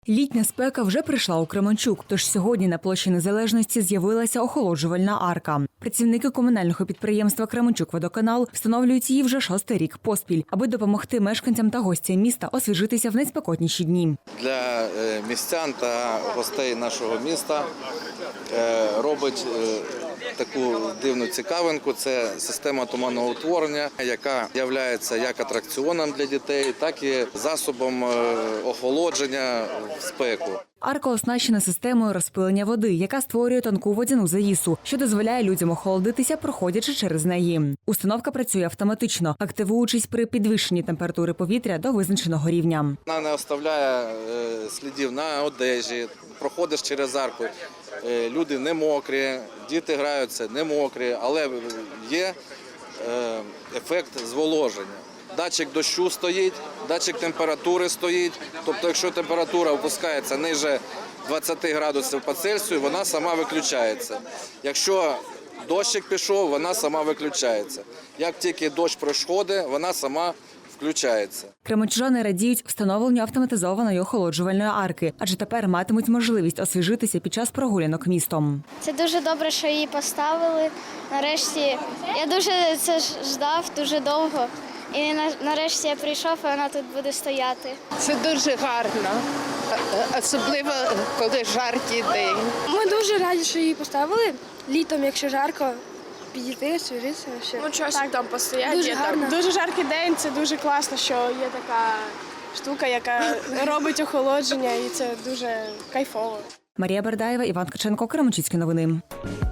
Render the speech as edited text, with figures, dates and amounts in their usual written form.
Літня спека вже прийшла у Кременчук, тож сьогодні на площі Незалежності з'явилася охолоджувальна арка. Працівники комунального підприємства «Кременчук-Водоканал» встановлюють її вже 6-й рік поспіль, аби допомогти мешканцям та гостям міста освіжитися в найспекотніші дні. Для містян та гостей нашого міста робить таку дивну цікавинку – це система туманного утворення, яка є як атракціоном для дітей, так і засобом охолодження в спеку. Арка оснащена системою розпилення води, яка створює тонку водяну завісу, що дозволяє людям охолодитися, проходячи через неї. Установка працює автоматично, активуючись при підвищенні температури повітря до визначеного рівня. Вона не оставляє слідів на одежі, проходиш через арку, люди не мокрі, діти граються не мокрі, але є ефект зволоження. Датчик дощу стоїть, датчик температури стоїть, тобто якщо температура опускається ниже 20 градусів по Цельсію, вона сама виключається. Якщо дощик пішов, вона сама виключається. Як тільки дощ проходить, вона сама включається. Кременчужани радіють встановленню автоматизованої охолоджувальної арки, адже тепер матимуть можливість освіжитися під час прогулянок містом. Це дуже добре, що її поставили. Нарешті я дуже це ждав, дуже довго. І нарешті я прийшов, і вона тут буде стояти. Це дуже гарно, особливо коли жаркий день. Ми дуже раді, що її поставили. Літом, якщо жарко, підійти, освіжитися. Ну, часик там постояти. Дуже гарно. Дуже жаркий день, це дуже класно, що є така штука, яка робить охолодження, і це дуже кайфово. Марія Бердаєва, Іван Ткаченко, Кременчуцькі новини.